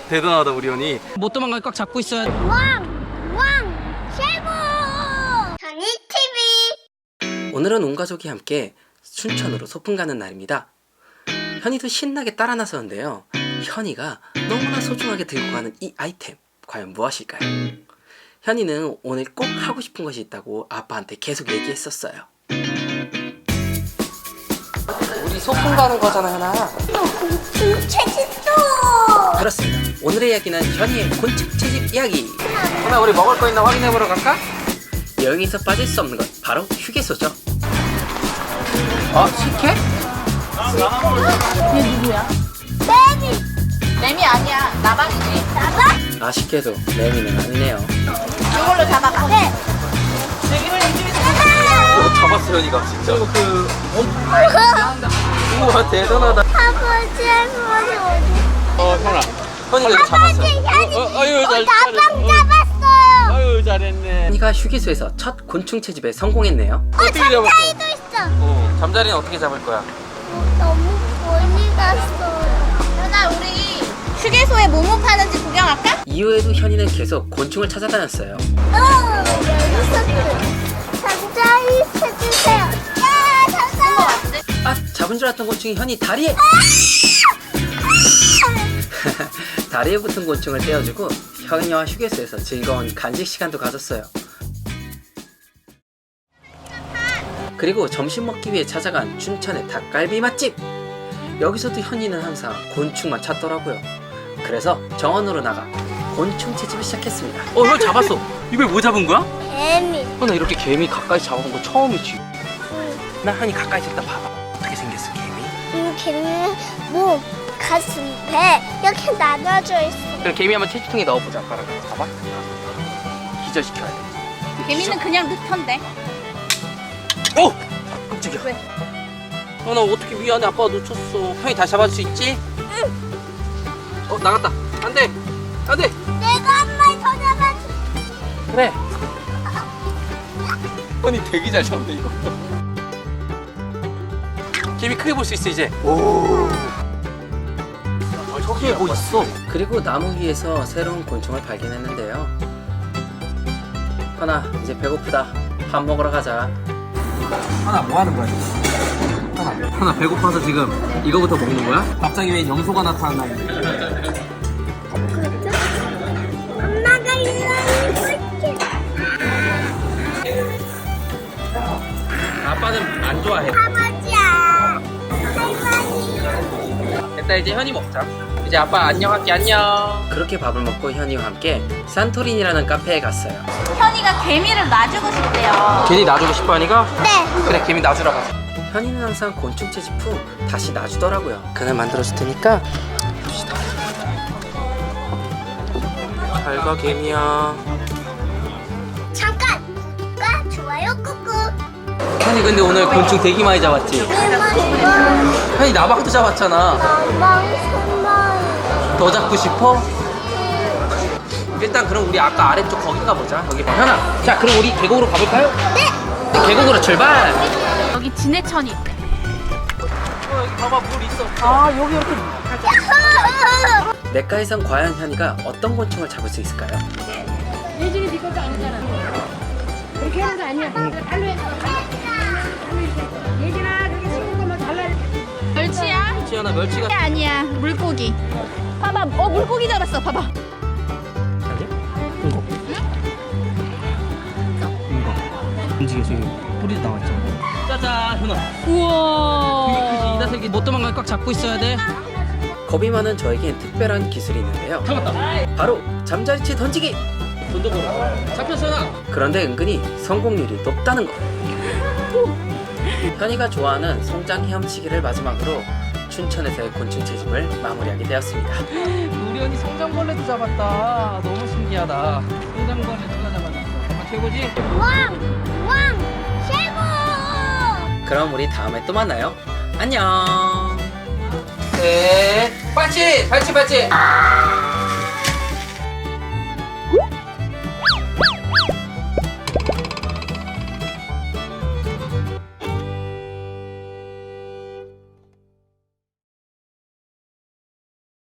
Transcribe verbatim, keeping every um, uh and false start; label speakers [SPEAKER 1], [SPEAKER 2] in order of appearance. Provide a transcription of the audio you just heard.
[SPEAKER 1] 대단하다 우리 현이.
[SPEAKER 2] 못 도망가게 꽉 잡고 있어야 돼.
[SPEAKER 3] 왕! 왕! 최고! 현이 티비.
[SPEAKER 4] 오늘은 온 가족이 함께 춘천으로 소풍 가는 날입니다. 현이도 신나게 따라 나서는데요. 현이가 너무나 소중하게 들고 가는 이 아이템 과연 무엇일까요? 현이는 오늘 꼭 하고 싶은 것이 있다고 아빠한테 계속 얘기했었어요. 우리 소풍 가는 거잖아, 현아.
[SPEAKER 3] 곤충채집도!
[SPEAKER 4] 그렇습니다. 오늘의 이야기는 현이의 곤충 채집 이야기. 현아, 우리 먹을 거 있나 확인해보러 갈까? 여행에서 빠질 수 없는 것 바로 휴게소죠. 어? 식혜?
[SPEAKER 5] 얘 누구야?
[SPEAKER 3] 매미!
[SPEAKER 5] 매미 아니야. 나방이지.
[SPEAKER 3] 나봐?
[SPEAKER 4] 아쉽게도 매미는 아니네요.
[SPEAKER 5] 이걸로 잡아봐.
[SPEAKER 3] 네.
[SPEAKER 5] 여기를 이쪽에서
[SPEAKER 1] 어, 잡았어 현이가 진짜. 그 우와 대단하다.
[SPEAKER 3] 아버지, 할머니 어디?
[SPEAKER 1] 어 현아. 현이가 이거 잡았어.
[SPEAKER 3] 아버지, 현이
[SPEAKER 1] 어, 어, 아유, 잘-
[SPEAKER 3] 나방
[SPEAKER 1] 잘했어.
[SPEAKER 3] 잡았어요!
[SPEAKER 1] 아유 잘했네.
[SPEAKER 4] 현이가 휴게소에서 첫 곤충 채집에 성공했네요.
[SPEAKER 1] 어떻게 잡았어?
[SPEAKER 3] 잠자리도 있어!
[SPEAKER 1] 어 잠자리는 어떻게 잡을 거야?
[SPEAKER 3] 너무 멀리 갔어요.
[SPEAKER 5] 현아, 우리 휴게소에 뭐뭐 파는지 구경할까?
[SPEAKER 4] 이후에도 현이는 계속 곤충을 찾아다녔어요.
[SPEAKER 3] 어, 여기서 잠자리 찾으세요. 야, 잠깐!
[SPEAKER 4] 아, 잡은 줄 알았던 곤충이 현이 다리에! 다리에 붙은 곤충을 떼어주고 현이와 휴게소에서 즐거운 간식 시간도 가졌어요. 그리고 점심 먹기 위해 찾아간 춘천의 닭갈비 맛집! 여기서도 현이는 항상 곤충만 찾더라고요. 그래서 정원으로 나가 곤충 채집을 시작했습니다.
[SPEAKER 1] 어 현 잡았어. 이걸 뭐 잡은 거야?
[SPEAKER 3] 개미.
[SPEAKER 1] 현아 이렇게 개미 가까이 잡아본 거 처음이지.
[SPEAKER 4] 나 현이 가까이 있다 봐봐. 어떻게 생겼어, 개미?
[SPEAKER 3] 이 개미는 몸, 가슴, 배 이렇게 나눠져 있어.
[SPEAKER 4] 그럼 개미 한번 채집통에 넣어보자. 봐라. 봐봐. 기절시켜야 돼.
[SPEAKER 5] 개미는 그냥 넣던데.
[SPEAKER 4] 오! 깜짝이야.
[SPEAKER 5] 왜?
[SPEAKER 4] 현아 어떻게 미안해. 아빠가 놓쳤어. 형이 다시 잡아줄 수 있지?
[SPEAKER 3] 응.
[SPEAKER 4] 어 나갔다. 안돼. 안돼.
[SPEAKER 3] 내가 한 마리 더 잡아줘.
[SPEAKER 4] 그래.
[SPEAKER 1] 현이 되게 잘 잡네 이거.
[SPEAKER 4] 개미 크게 볼 수 있어 이제.
[SPEAKER 1] 오. 아, 저기에 뭐 있어?
[SPEAKER 4] 그리고 나무 위에서 새로운 곤충을 발견했는데요. 현아 이제 배고프다. 밥 먹으러 가자.
[SPEAKER 1] 하나 뭐 하는 거야 지금? 하나 하나 배고파서 지금 이거부터 먹는 거야? 갑자기 왜 염소가 나타났나 했는데.
[SPEAKER 3] 엄마가 일어나고
[SPEAKER 4] 아빠는 안 좋아해.
[SPEAKER 3] 아버지야. 할머니.
[SPEAKER 4] 됐다 이제 현이 먹자. 이제 아빠 안녕 할게. 안녕. 그렇게 밥을 먹고 현이와 함께 산토린이라는 카페에 갔어요.
[SPEAKER 5] 현이가 개미를 놔주고 싶대요.
[SPEAKER 4] 괜히 놔주고 싶어 하니까?
[SPEAKER 3] 네.
[SPEAKER 4] 그래 개미 놔주러 가자. 현이는 항상 곤충 채집 후 다시 놔주더라고요. 그날 만들어줄 테니까 줍시다. 잘가 개미야.
[SPEAKER 3] 잠깐. 구독과 좋아요 꾹꾹.
[SPEAKER 4] 현이 근데 오늘 곤충 되게 많이 잡았지? 현이 나방도 잡았잖아.
[SPEAKER 3] 나방 손만.
[SPEAKER 4] 더 잡고 싶어? 일단 그럼 우리 아까 아래쪽 거기 가보자. 거기 봐. 현아, 자 그럼 우리 계곡으로 가볼까요? 네. 계곡으로 출발.
[SPEAKER 5] 여기 진해천이 있대.
[SPEAKER 4] 어, 여기 봐봐 물 있어.
[SPEAKER 5] 아, 여기 이렇게.
[SPEAKER 4] 냇가에선 과연 현이가 어떤 곤충을 잡을 수 있을까요?
[SPEAKER 6] 예진이 네 것도 아니잖아. 그렇게 하는 거 아니야. 달로 해. 예진아, 그렇게 식은 것만 달라.
[SPEAKER 5] 멸치야?
[SPEAKER 4] 지연아 멸치가
[SPEAKER 5] 아니야. 물고기. 봐봐. 어, 물고기 잡았어. 봐봐.
[SPEAKER 4] 이거 이거 움직여 저기 뿌리도 나왔잖아. 짜잔 현아.
[SPEAKER 5] 우와.
[SPEAKER 2] 이다색이 못 도망가게 꽉 잡고 있어야 돼.
[SPEAKER 4] 겁이 많은 저에겐 특별한 기술이 있는데요.
[SPEAKER 2] 잡았다.
[SPEAKER 4] 바로 잠자리채 던지기.
[SPEAKER 2] 던져보라. 잡혔어 현아.
[SPEAKER 4] 그런데 은근히 성공률이 높다는 거. 현이가 좋아하는 송장 헤엄치기를 마지막으로 춘천에서의 곤충 채집을 마무리하게 되었습니다.
[SPEAKER 2] 우리 언니 성장벌레도 잡았다. 너무 신기하다. 성장벌레 누가 잡았어? 정말 최고지?
[SPEAKER 3] 왕! 왕! 최고!
[SPEAKER 4] 그럼 우리 다음에 또 만나요. 안녕. 네, 발치, 발치, 발치.